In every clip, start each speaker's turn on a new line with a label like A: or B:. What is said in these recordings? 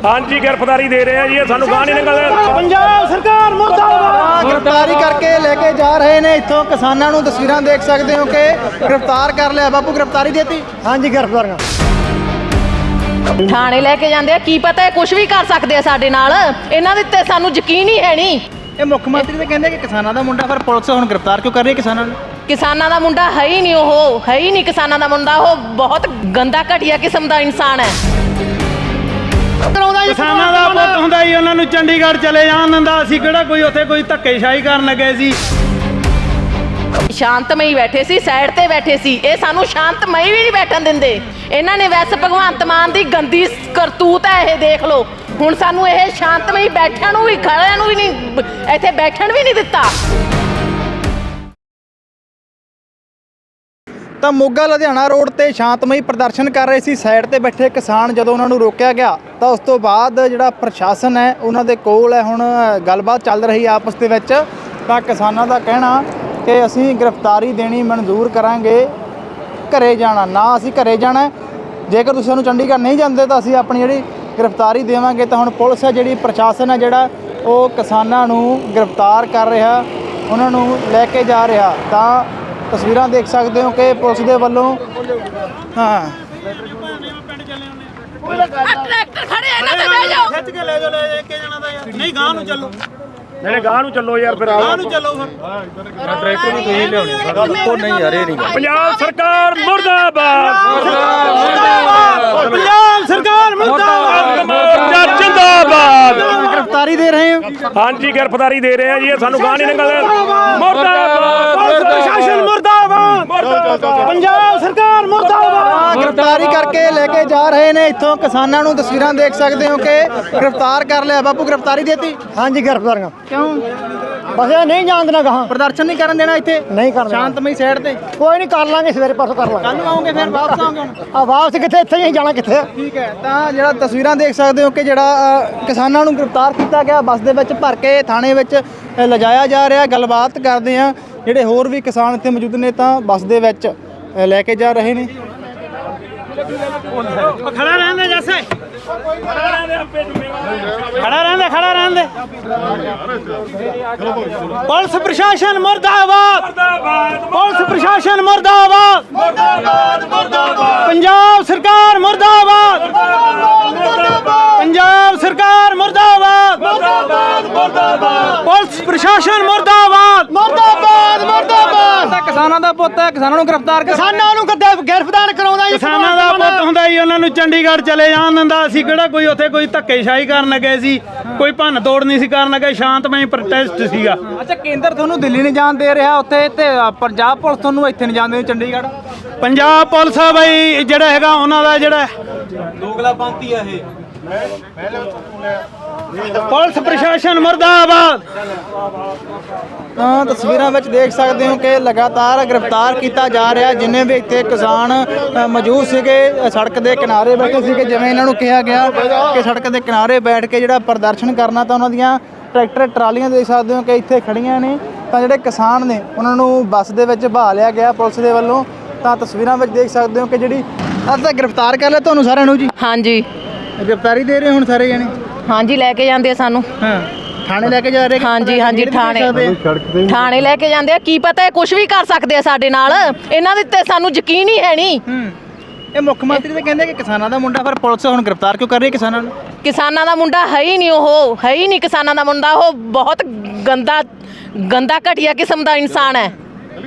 A: हाँ जी गिरफ्तारी दे रहे हैं जी, सानू गाह नहीं निकल।
B: पंजाब सरकार मुर्दाबाद।
C: गिरफ्तारी करके लेके जा रहे ने इत्थों किसानां नूं। तस्वीरां देख सकते हो कि गिरफ्तार कर लिया। बापू गिरफ्तारी देती?
B: हाँ जी गिरफ्तार
D: ਥਾਣੇ ਲੈ ਕੇ ਜਾਂਦੇ ਆ, ਕੀ ਪਤਾ ਕੁਝ ਵੀ ਕਰ ਸਕਦੇ ਆ ਸਾਡੇ ਨਾਲ। ਇਹਨਾਂ ਦੇ ਤੇ ਸਾਨੂੰ ਯਕੀਨ ਹੀ ਹੈ ਨਹੀਂ।
C: ਇਹ ਮੁੱਖ ਮੰਤਰੀ ਤੇ ਕਹਿੰਦੇ ਕਿ ਕਿਸਾਨਾਂ ਦਾ ਮੁੰਡਾ, ਫਿਰ ਪੁਲਿਸ ਹੁਣ ਗ੍ਰਿਫਤਾਰ ਕਿਉਂ ਕਰ ਰਹੀ ਹੈ ਕਿਸਾਨਾਂ ਨੂੰ?
D: ਕਿਸਾਨਾਂ ਦਾ ਮੁੰਡਾ ਹੈ ਹੀ ਨਹੀਂ, ਉਹ ਹੈ ਹੀ ਨਹੀਂ ਕਿਸਾਨਾਂ ਦਾ ਮੁੰਡਾ। ਉਹ ਬਹੁਤ ਗੰਦਾ ਘਟੀਆ ਕਿਸਮ ਦਾ ਇਨਸਾਨ ਹੈ।
E: ਕਿਸਾਨਾਂ ਦਾ ਪੁੱਤ ਹੁੰਦਾ ਹੀ ਉਹਨਾਂ ਨੂੰ ਚੰਡੀਗੜ੍ਹ ਚਲੇ ਜਾਣ ਦਿੰਦਾ। ਅਸੀਂ ਕਿਹੜਾ ਕੋਈ ਉੱਥੇ ਕੋਈ ਧੱਕੇਸ਼ਾਹੀ ਕਰਨ ਲੱਗੇ ਸੀ।
D: ਸ਼ਾਂਤਮਈ ਬੈਠੇ ਸੀ, ਸਾਈਡ ਤੇ ਬੈਠੇ ਸੀ। ਇਹ ਸਾਨੂੰ ਸ਼ਾਂਤਮਈ ਵੀ ਨਹੀਂ ਬੈਠਣ ਦਿੰਦੇ। ਇਹਨਾਂ ਨੇ ਵੈਸੇ ਭਗਵੰਤ ਮਾਨ ਦੀ ਗੰਦੀ ਕਰਤੂਤ ਹੈ ਇਹ, ਦੇਖ ਲਓ। ਹੁਣ ਸਾਨੂੰ ਇਹ ਸ਼ਾਂਤਮਈ ਬੈਠਣ ਨੂੰ ਵੀ, ਖੜਿਆਂ ਨੂੰ ਵੀ ਨਹੀਂ, ਇੱਥੇ ਬੈਠਣ ਵੀ ਨਹੀਂ ਦਿੱਤਾ।
C: ਤਾਂ ਮੋਗਾ ਲੁਧਿਆਣਾ ਰੋਡ ਤੇ ਸ਼ਾਂਤਮਈ ਪ੍ਰਦਰਸ਼ਨ ਕਰ ਰਹੇ ਸੀ ਸਾਈਡ ਤੇ ਬੈਠੇ ਕਿਸਾਨ। ਜਦੋਂ ਉਹਨਾਂ ਨੂੰ ਰੋਕਿਆ ਗਿਆ ਤਾਂ ਉਸ ਤੋਂ ਬਾਅਦ ਜਿਹੜਾ ਪ੍ਰਸ਼ਾਸਨ ਹੈ ਉਹਨਾਂ ਦੇ ਕੋਲ ਹੈ ਹੁਣ ਗੱਲਬਾਤ ਚੱਲ ਰਹੀ ਆਪਸ ਦੇ ਵਿੱਚ। ਤਾਂ ਕਿਸਾਨਾਂ ਦਾ ਕਹਿਣਾ ਕਿ ਅਸੀਂ ਗ੍ਰਿਫਤਾਰੀ ਦੇਣੀ ਮਨਜ਼ੂਰ ਕਰਾਂਗੇ, ਘਰੇ ਜਾਣਾ ਨਾ, ਅਸੀਂ ਘਰੇ ਜਾਣਾ। ਜੇਕਰ ਤੁਸੀਂ ਸਾਨੂੰ ਚੰਡੀਗੜ੍ਹ ਨਹੀਂ ਜਾਂਦੇ ਤਾਂ ਅਸੀਂ ਆਪਣੀ ਜਿਹੜੀ ਗ੍ਰਿਫਤਾਰੀ ਦੇਵਾਂਗੇ। ਤਾਂ ਹੁਣ ਪੁਲਿਸ ਹੈ ਜਿਹੜੀ, ਪ੍ਰਸ਼ਾਸਨ ਹੈ ਜਿਹੜਾ, ਉਹ ਕਿਸਾਨਾਂ ਨੂੰ ਗ੍ਰਿਫਤਾਰ ਕਰ ਰਿਹਾ, ਉਹਨਾਂ ਨੂੰ ਲੈ ਕੇ ਜਾ ਰਿਹਾ। ਤਾਂ ਤਸਵੀਰਾਂ ਦੇਖ ਸਕਦੇ ਹੋ ਕਿ ਪੁਲਿਸ ਦੇ ਵੱਲੋਂ
D: ਟਰੈਕਟਰ ਖੜੇ ਇਹਨਾਂ ਤੇ ਬਹਿ ਜਾਓ।
E: ਖਿੱਚ ਕੇ ਲੈ ਜਾਓ, ਲੈ ਕੇ ਜਾਣਾ ਤਾਂ ਯਾਰ। ਨਹੀਂ ਗਾਂ ਨੂੰ ਚੱਲੋ,
A: नहीं गाह नूं चलो यार, फिर
E: ਗਾਂ ਨੂੰ ਚੱਲੋ ਫਿਰ।
A: ट्रैक्टर भी तुसीं लियाउणे ओ नहीं यार, ये नहीं। पंजाब सरकार मुर्दाबाद,
E: पंजाब सरकार मुर्दाबाद,
A: मोर्चा जिंदाबाद।
C: गिरफ्तारी दे रहे हैं?
A: हाँ जी गिरफ्तारी दे रहे हैं जी, सानू गाह नहीं निकल। मुर्दाबाद
E: प्रशासन मुर्दाबाद,
B: पंजाब सरकार मुर्दाबाद।
C: गिरफ्तारी करके लेके जा रहे ने इत्थों किसानां नूं। तस्वीरां देख सकते हो कि गिरफ्तार कर लिया। बापू गिरफ्तारी देती?
B: हाँ जी गिरफ्तार।
C: क्यों?
B: बस ये नहीं जान देना कहाँ,
C: प्रदर्शन नहीं करन देना इत्थे?
B: नहीं करना।
C: शांतमई साइड ते
B: कोई नहीं, कर लांगे सवेरे परसों कर लांगे।
C: कल नूं आओगे फिर वापस आओगे?
B: वापस कितने, इत्थे ही जाना कितने।
C: ठीक है। ਤਾਂ ਜਿਹੜਾ ਤਸਵੀਰਾਂ ਦੇਖ ਸਕਦੇ ਹੋ ਕਿ ਜਿਹੜਾ ਕਿਸਾਨਾਂ ਨੂੰ ਗ੍ਰਿਫਤਾਰ ਕੀਤਾ ਗਿਆ, ਬੱਸ ਦੇ ਵਿੱਚ ਭਰ ਕੇ ਥਾਣੇ ਵਿੱਚ ਲਿਜਾਇਆ ਜਾ ਰਿਹਾ। ਗੱਲਬਾਤ ਕਰਦੇ ਆ ਜਿਹੜੇ ਹੋਰ ਵੀ ਕਿਸਾਨ ਇੱਥੇ ਮੌਜੂਦ ਨੇ, ਤਾਂ ਬੱਸ ਦੇ ਵਿੱਚ ਲੈ ਕੇ ਜਾ ਰਹੇ ਨੇ।
E: ਖੜਾ ਰਹਿਣ ਦੇ ਜੈਸੇ, ਖੜਾ ਰਹਿਣ ਦੇ। ਪੁਲਿਸ ਪ੍ਰਸ਼ਾਸਨ ਮੁਰਦਾਬਾਦ, ਪੁਲਿਸ ਪ੍ਰਸ਼ਾਸਨ ਮੁਰਦਾਬਾਦ, ਪੰਜਾਬ ਸਰਕਾਰ ਮੁਰਦਾਬਾਦ, ਪੰਜਾਬ ਸਰਕਾਰ ਮੁਰਦਾਬਾਦ, ਪੁਲਿਸ ਪ੍ਰਸ਼ਾਸਨ ਮੁਰਦਾਬਾਦ,
B: मुर्दाबाद मुर्दाबाद।
C: ਕਿਸਾਨਾਂ ਦਾ ਪੁੱਤ ਹੈ, ਕਿਸਾਨਾਂ ਨੂੰ ਗ੍ਰਿਫਤਾਰ ਕਰ।
B: किसानों ਨੂੰ गिरफ्तार कराउंदा जी।
E: ਕਿਸਾਨਾਂ ਦਾ ਪੁੱਤ ਹੁੰਦਾ ਹੀ ਉਹਨਾਂ ਨੂੰ ਚੰਡੀਗੜ੍ਹ ਚਲੇ ਜਾਣ ਦਿੰਦਾ। ਅਸੀਂ ਕਿਹੜਾ ਕੋਈ ਉੱਥੇ ਕੋਈ ਧੱਕੇਸ਼ਾਹੀ ਕਰਨ ਲੱਗੇ ਸੀ, ਕੋਈ ਭੰਨ ਤੋੜ ਨਹੀਂ ਸੀ ਕਰਨ ਲੱਗੇ। ਸ਼ਾਂਤਮਈ ਪ੍ਰੋਟੈਸਟ ਸੀਗਾ।
C: ਅੱਛਾ, ਕੇਂਦਰ ਤੁਹਾਨੂੰ ਦਿੱਲੀ ਨਹੀਂ ਜਾਣ ਦੇ ਰਿਹਾ ਉੱਥੇ, ਤੇ ਪੰਜਾਬ ਪੁਲਿਸ ਤੁਹਾਨੂੰ ਇੱਥੇ ਨਹੀਂ ਜਾਣ ਦੇ ਚੰਡੀਗੜ੍ਹ?
E: ਪੰਜਾਬ ਪੁਲਿਸ ਆ ਬਈ, ਜਿਹੜਾ ਹੈਗਾ ਉਹਨਾਂ ਦਾ ਜਿਹੜਾ
C: ਦੋਗਲਾਪੰਥੀ ਆ ਇਹ।
E: ਪੁਲਿਸ ਪ੍ਰਸ਼ਾਸਨ ਮੁਰਦਾਬਾਦ।
C: ਤਾਂ ਤਸਵੀਰਾਂ ਵਿੱਚ ਦੇਖ ਸਕਦੇ ਹੋ ਕਿ ਲਗਾਤਾਰ ਗ੍ਰਿਫਤਾਰ ਕੀਤਾ ਜਾ ਰਿਹਾ। ਜਿੰਨੇ ਵੀ ਇੱਥੇ ਕਿਸਾਨ ਮੌਜੂਦ ਸੀਗੇ ਸੜਕ ਦੇ ਕਿਨਾਰੇ ਬੈਠੇ ਸੀਗੇ, ਜਿਵੇਂ ਇਹਨਾਂ ਨੂੰ ਕਿਹਾ ਗਿਆ ਕਿ ਸੜਕ ਦੇ ਕਿਨਾਰੇ ਬੈਠ ਕੇ ਜਿਹੜਾ ਪ੍ਰਦਰਸ਼ਨ ਕਰਨਾ, ਤਾਂ ਉਹਨਾਂ ਦੀਆਂ ਟਰੈਕਟਰ ਟਰਾਲੀਆਂ ਦੇਖ ਸਕਦੇ ਹੋ ਕਿ ਇੱਥੇ ਖੜੀਆਂ ਨੇ। ਤਾਂ ਜਿਹੜੇ ਕਿਸਾਨ ਨੇ ਉਹਨਾਂ ਨੂੰ ਬੱਸ ਦੇ ਵਿੱਚ ਬਹਾ ਲਿਆ ਗਿਆ ਪੁਲਿਸ ਦੇ ਵੱਲੋਂ। ਤਾਂ ਤਸਵੀਰਾਂ ਵਿੱਚ ਦੇਖ ਸਕਦੇ ਹੋ ਕਿ ਜਿਹੜੀ ਅੱਜ ਤੱਕ ਗ੍ਰਿਫਤਾਰ ਕਰ ਲਿਆ ਤੁਹਾਨੂੰ ਸਾਰਿਆਂ ਨੂੰ ਜੀ।
D: ਹਾਂਜੀ
C: ਗ੍ਰਿਫਤਾਰੀ ਦੇ ਰਹੇ ਹੁਣ ਸਾਰੇ ਜਣੇ?
D: ਹਾਂਜੀ ਲੈ ਕੇ ਜਾਂਦੇ ਆ ਸਾਨੂੰ।
C: ਹਾਂ, ਥਾਣੇ ਲੈ ਕੇ ਜਾ ਰਹੇ?
D: ਹਾਂਜੀ ਹਾਂਜੀ ਥਾਣੇ ਲੈ ਕੇ ਜਾਂਦੇ ਆ। ਕੀ ਪਤਾ ਕੁਝ ਵੀ ਕਰ ਸਕਦੇ ਆ ਸਾਡੇ ਨਾਲ। ਇਹਨਾਂ ਦੇ ਤੇ ਸਾਨੂੰ ਯਕੀਨ ਹੀ ਹੈ ਨਹੀਂ।
C: ਇਹ ਮੁੱਖ ਮੰਤਰੀ ਤੇ ਕਹਿੰਦੇ ਕਿ ਕਿਸਾਨਾਂ ਦਾ ਮੁੰਡਾ, ਫਿਰ ਪੁਲਿਸ ਹੁਣ ਗ੍ਰਿਫਤਾਰ ਕਿਉਂ ਕਰ ਰਹੀ ਹੈ ਕਿਸਾਨਾਂ ਨੂੰ?
D: ਕਿਸਾਨਾਂ ਦਾ ਮੁੰਡਾ ਹੈ ਹੀ ਨਹੀਂ, ਉਹ ਹੈ ਹੀ ਨਹੀਂ ਕਿਸਾਨਾਂ ਦਾ ਮੁੰਡਾ। ਉਹ ਬਹੁਤ ਗੰਦਾ ਘਟੀਆ ਕਿਸਮ ਦਾ ਇਨਸਾਨ ਹੈ।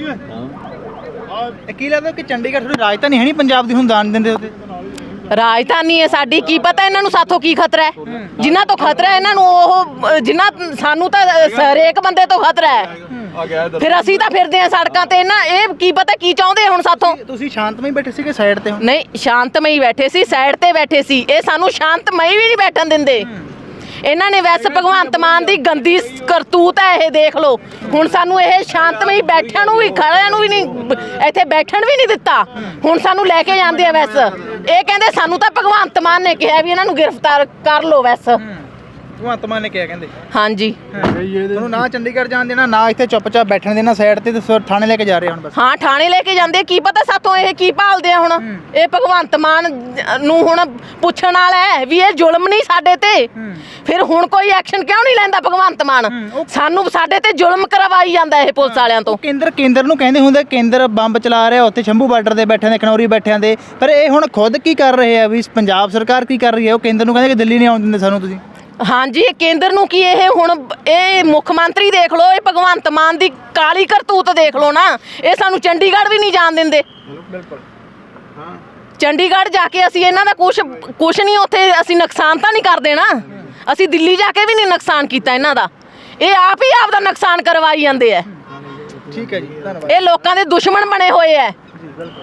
C: ਕੀ ਲੱਗਦਾ ਕਿ ਚੰਡੀਗੜ੍ਹ ਥੋੜੀ ਰਾਜਧਾਨੀ ਹੈ ਨਹੀਂ ਪੰਜਾਬ ਦੀ, ਹੁਣ ਦਾਨ ਦਿੰਦੇ ਉੱਤੇ?
D: ਰਾਜਧਾਨੀ ਹੈ ਸਾਡੀ। ਕੀ ਪਤਾ ਇਹਨਾਂ ਨੂੰ ਸਾਥੋਂ ਕੀ ਖਤਰਾ ਹੈ। ਜਿਨ੍ਹਾਂ ਤੋਂ ਖਤਰਾ ਹੈ ਇਹਨਾਂ ਨੂੰ, ਉਹ ਜਿਨ੍ਹਾਂ ਸਾਨੂੰ ਤਾਂ ਹਰੇਕ ਬੰਦੇ ਤੋਂ ਖਤਰਾ ਹੈ। ਫਿਰ ਅਸੀਂ ਤਾਂ ਫਿਰਦੇ ਆ ਸੜਕਾਂ ਤੇ। ਇਹਨਾਂ ਇਹ ਕੀ ਪਤਾ ਕੀ ਚਾਹੁੰਦੇ ਹੁਣ ਸਾਥੋਂ।
C: ਤੁਸੀਂ ਸ਼ਾਂਤਮਈ ਬੈਠੇ ਸੀਗੇ ਸਾਈਡ ਤੇ?
D: ਨਹੀਂ, ਸ਼ਾਂਤਮਈ ਬੈਠੇ ਸੀ, ਸਾਈਡ ਤੇ ਬੈਠੇ ਸੀ। ਇਹ ਸਾਨੂੰ ਸ਼ਾਂਤਮਈ ਵੀ ਨਹੀਂ ਬੈਠਣ ਦਿੰਦੇ। ਇਹਨਾਂ ਨੇ ਵੈਸੇ ਭਗਵੰਤ ਮਾਨ ਦੀ ਗੰਦੀ ਕਰਤੂਤ ਹੈ ਇਹ, ਦੇਖ ਲਓ। ਹੁਣ ਸਾਨੂੰ ਇਹ ਸ਼ਾਂਤਮਈ ਬੈਠਣ ਨੂੰ ਵੀ, ਖੜਿਆਂ ਨੂੰ ਵੀ ਨਹੀਂ, ਇੱਥੇ ਬੈਠਣ ਵੀ ਨਹੀਂ ਦਿੱਤਾ। ਹੁਣ ਸਾਨੂੰ ਲੈ ਕੇ ਜਾਂਦੇ ਆ ਵੈਸੇ। ਇਹ ਕਹਿੰਦੇ ਸਾਨੂੰ ਤਾਂ ਭਗਵੰਤ ਮਾਨ ਨੇ ਕਿਹਾ ਵੀ ਇਹਨਾਂ ਨੂੰ ਗ੍ਰਿਫਤਾਰ ਕਰ ਲਓ ਵੈਸੇ।
C: ਭਗਵੰਤ ਮਾਨ ਨੇ ਕਿਹਾ ਕਹਿੰਦੇ
D: ਹਾਂਜੀ
C: ਤੁਹਾਨੂੰ ਨਾ ਚੰਡੀਗੜ੍ਹ ਜਾਣ ਦੇਣਾ ਨਾ ਇੱਥੇ ਚੁੱਪਚਾਪ ਬੈਠਣ ਦੇਣਾ ਸਾਈਡ ਤੇ ਥਾਣੇ ਲੈ ਕੇ ਜਾ ਰਹੇ ਹੁਣ ਬਸ
D: ਹਾਂ ਥਾਣੇ ਲੈ ਕੇ ਜਾਂਦੇ ਕੀ ਪਤਾ ਸਾਥੋਂ ਇਹ ਕੀ ਭਾਲਦੇ ਆ ਹੁਣ ਇਹ ਭਗਵੰਤ ਮਾਨ ਨੂੰ ਹੁਣ ਪੁੱਛਣ ਵਾਲਾ ਹੈ ਵੀ ਇਹ ਜ਼ੁਲਮ ਨਹੀਂ ਸਾਡੇ ਤੇ ਫਿਰ ਹੁਣ ਕੋਈ ਐਕਸ਼ਨ ਕਿਉਂ ਨਹੀਂ ਲੈਂਦਾ ਭਗਵੰਤ ਮਾਨ ਸਾਨੂੰ ਸਾਡੇ ਤੇ ਜ਼ੁਲਮ ਕਰਵਾਈ ਜਾਂਦਾ ਇਹ ਪੁਲਿਸ ਵਾਲਿਆਂ ਤੋਂ
C: ਕੇਂਦਰ ਨੂੰ ਕਹਿੰਦੇ ਹੁੰਦੇ ਕੇਂਦਰ ਬੰਬ ਚਲਾ ਰਿਹਾ ਉੱਥੇ ਸ਼ੰਭੂ ਬਾਰਡਰ ਦੇ ਬੈਠੇ ਨੇ ਖਨੌਰੀ ਬੈਠਿਆਂ ਦੇ ਪਰ ਇਹ ਹੁਣ ਖੁਦ ਕੀ ਕਰ ਰਹੇ ਆ ਵੀ ਪੰਜਾਬ ਸਰਕਾਰ ਕੀ ਕਰ ਰਹੀ ਹੈ ਉਹ ਕੇਂਦਰ ਨੂੰ ਕਹਿੰਦੇ ਕਿ ਦਿੱਲੀ ਨਹੀਂ ਆਉਣ ਦਿੰਦੇ ਸਾਨੂੰ ਤੁਸੀਂ
D: ਹਾਂਜੀ ਕੇਂਦਰ ਨੂੰ ਕੀ ਇਹ ਹੁਣ ਇਹ ਮੁੱਖ ਮੰਤਰੀ ਦੇਖ ਲਓ ਇਹ ਭਗਵੰਤ ਮਾਨ ਦੀ ਕਾਲੀ ਕਰਤੂਤ ਦੇਖ ਲਓ ਨਾ ਇਹ ਸਾਨੂੰ ਚੰਡੀਗੜ੍ਹ ਵੀ ਨਹੀਂ ਜਾਣ ਦਿੰਦੇ
C: ਬਿਲਕੁਲ
D: ਚੰਡੀਗੜ੍ਹ ਜਾ ਕੇ ਅਸੀਂ ਇਹਨਾਂ ਦਾ ਕੁਛ ਨਹੀਂ ਉੱਥੇ ਅਸੀਂ ਨੁਕਸਾਨ ਤਾਂ ਨਹੀਂ ਕਰ ਦੇਣਾ ਅਸੀਂ ਦਿੱਲੀ ਜਾ ਕੇ ਵੀ ਨਹੀਂ ਨੁਕਸਾਨ ਕੀਤਾ ਇਹਨਾਂ ਦਾ ਇਹ ਆਪ ਹੀ ਆਪ ਦਾ ਨੁਕਸਾਨ ਕਰਵਾਈ ਜਾਂਦੇ ਆ
C: ਠੀਕ ਹੈ ਜੀ ਧੰਨਵਾਦ
D: ਇਹ ਲੋਕਾਂ ਦੇ ਦੁਸ਼ਮਣ ਬਣੇ ਹੋਏ ਆ